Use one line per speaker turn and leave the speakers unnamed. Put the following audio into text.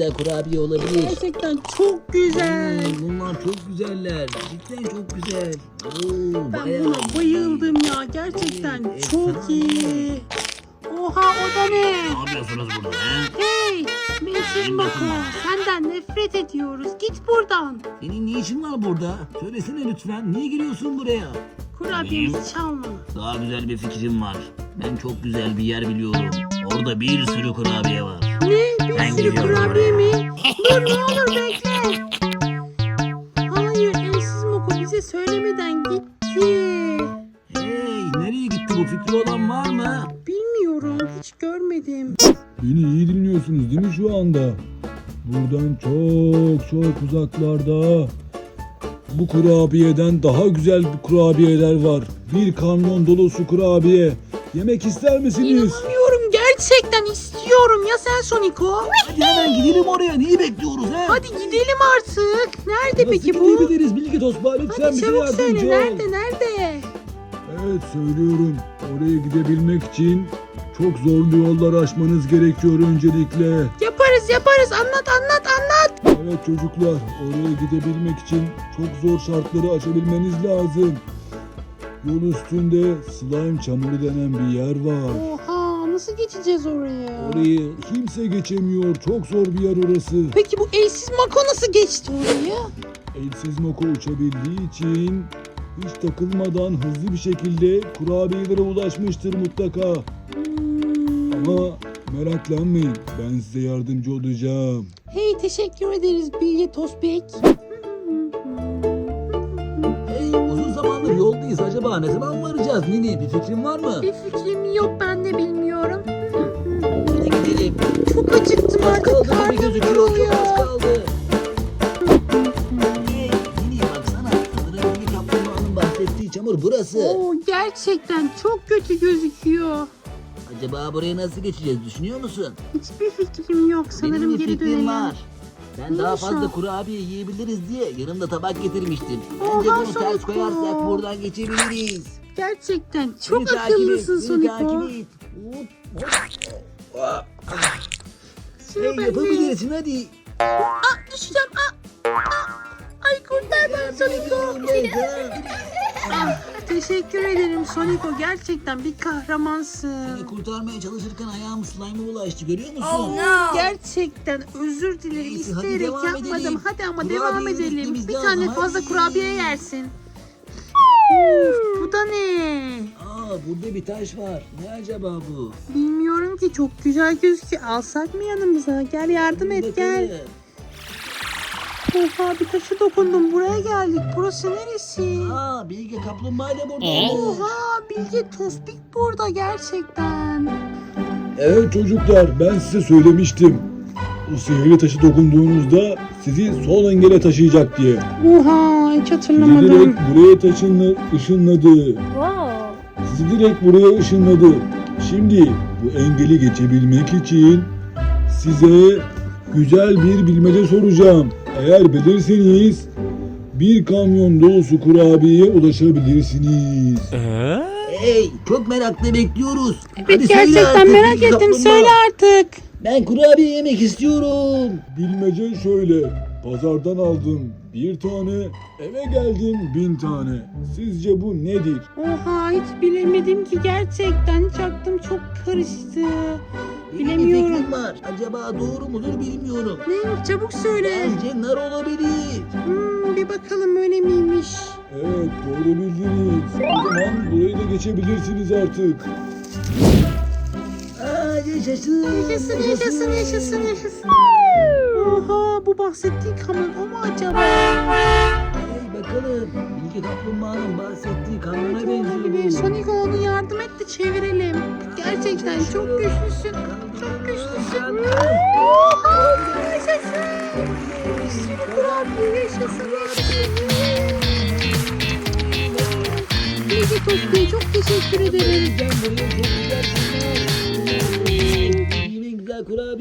güzel kurabiye olabilir.
Gerçekten çok güzel.
Bunlar çok güzeller. Cidden çok güzel. Oo,
Ben
bayağı
buna
iyi.
bayıldım ya. Gerçekten
Evet,
çok
efsane.
iyi. Oha, o da ne?
Ne yapıyorsunuz burada he?
Hey, Meşhur Mako. Senden nefret ediyoruz. Git buradan.
Senin ne işin var burada? Söylesene lütfen. Niye giriyorsun buraya?
Kurabiyemizi çalma.
Daha güzel bir fikrim var. Ben çok güzel bir yer biliyorum. Orada bir sürü kurabiye var.
Ne? Bir
Ben
sürü
gidiyorum
kurabiye
oraya.
mi? Dur, ne olur bekle. Hayır, Elsiz Moko bize söylemeden gitti.
Hey, nereye gitti bu fikri olan var mı?
Bilmiyorum, hiç görmedim.
Beni iyi dinliyorsunuz değil mi şu anda? Buradan çok uzaklarda bu kurabiyeden daha güzel kurabiyeler var. Bir kamyon dolusu kurabiye. Yemek ister misiniz?
İnanamıyorum, gerçekten istiyorum ya sen Soniko.
Hadi hemen gidelim oraya. Neyi bekliyoruz he?
Hadi gidelim artık. Nerede
Nasıl
peki bu?
gidebiliriz Bilge Tosba? Lütfen
Hadi
bize
çabuk
yardımcı
söyle,
ol.
nerede?
Evet söylüyorum. Oraya gidebilmek için çok zorlu yollar aşmanız gerekiyor öncelikle.
Yaparız, anlat.
Evet çocuklar, oraya gidebilmek için çok zor şartları aşabilmeniz lazım. Yol üstünde slime çamuru denen bir yer var.
Oha, nasıl geçeceğiz oraya?
Orayı kimse geçemiyor. Çok zor bir yer orası.
Peki bu Elsiz Mako nasıl geçti orayı?
Elsiz Moko uçabildiği için hiç takılmadan hızlı bir şekilde kurabiyelere ulaşmıştır mutlaka. Ama meraklanmayın, ben size yardımcı olacağım.
Hey, teşekkür ederiz Bilge Tosbek.
Hey, uzun zamandır yoldayız. Acaba ne zaman varacağız Nini? Bir fikrin var mı?
Bir fikrim yok, ben de bilmiyorum.
Hadi gidelim.
Çok acıktım
Az
artık,
kaldı gibi
karnım
gözüküyor. Çok
ağrıyor.
az kaldı. Hey, Nini baksana. Sanırım Nini kaplumbağanın bahsettiği çamur burası.
Oo, gerçekten çok kötü gözüküyor.
Acaba buraya nasıl geçeceğiz düşünüyor musun?
Hiçbir fikrim yok, sanırım
Benim bir
geri
fikrim
dönelim.
var. Ben daha
Neymiş
fazla
o?
kurabiye yiyebiliriz diye yanımda tabak getirmiştim.
Oha,
Bence bunu ters
Soniko.
koyarsak buradan geçebiliriz.
Gerçekten çok
Beni takip et,
akıllısın
beni
Soniko.
takip et. Hop, hop.
Sıra
Hey,
bende.
yapabilirsin hadi.
Düşeceğim. Ay, kurtar beni Soniko. Teşekkür ederim Soniko. Gerçekten bir kahramansın.
Seni kurtarmaya çalışırken ayağım slime'a bulaştı görüyor musun?
Gerçekten özür dilerim.
Neyse, hadi
İsteyerek
devam
yapmadım.
edelim.
Hadi ama
Kurabiyeyi
devam edelim.
yememiz
Bir
lazım,
tane fazla
hadi.
kurabiye yersin. Uf, bu da ne?
Burada bir taş var. Ne acaba bu?
Bilmiyorum ki, çok güzel gözüküyor. Alsak mı yanımıza? Gel yardım et, gel.
Bakalım.
Oha, bir taşa dokundum. Buraya geldik. Burası neresi?
Bilge kaplumbağa da burada.
Oha, Bilge Tospik burada gerçekten.
Evet çocuklar, ben size söylemiştim. O sihirli taşı dokunduğunuzda sizi sol engele taşıyacak diye.
Oha, hiç
Sizi
hatırlamadım.
direkt buraya ışınladı. Sizi direkt buraya ışınladı. Şimdi bu engeli geçebilmek için size güzel bir bilmece soracağım. Eğer bilirseniz bir kamyon dolusu kurabiyeye ulaşabilirsiniz.
Hey, çok merakla bekliyoruz.
Evet,
Hadi söyle
gerçekten
artık
merak
Bilge
ettim.
kaplumbağa.
Söyle artık.
Ben kurabiye yemek istiyorum.
Bilmece şöyle. Pazardan aldım bir tane, eve geldim 1000 tane. Sizce bu nedir?
Oha, hiç bilemedim ki gerçekten. Hiç aklım çok karıştı.
Benim bir
Bilemiyorum.
fikrim var. Acaba doğru mudur bilmiyorum.
Neymiş, çabuk söyle.
Bence nar olabilir.
Bir bakalım, öyle miymiş?
Evet doğru bildiniz. O zaman burayı da geçebilirsiniz artık.
Yaşasın.
Yaşasın. Oha, bu bahsettiği kamyon o mu acaba?
Hey bakalım. Bilge kaplumbağanın bahsettiği kamyona benziyor
Olabilir.
bu.
Sonic, onu yardım et de çevirelim. Gerçekten çok güçlüsün. Çok güçlüsün. Oha, yaşasın. Bir sürü kurabiye, yaşasın. Bilge Tospik'e çok teşekkür ederim.
Gel buraya çok güzel. Yine güzel kurabiye.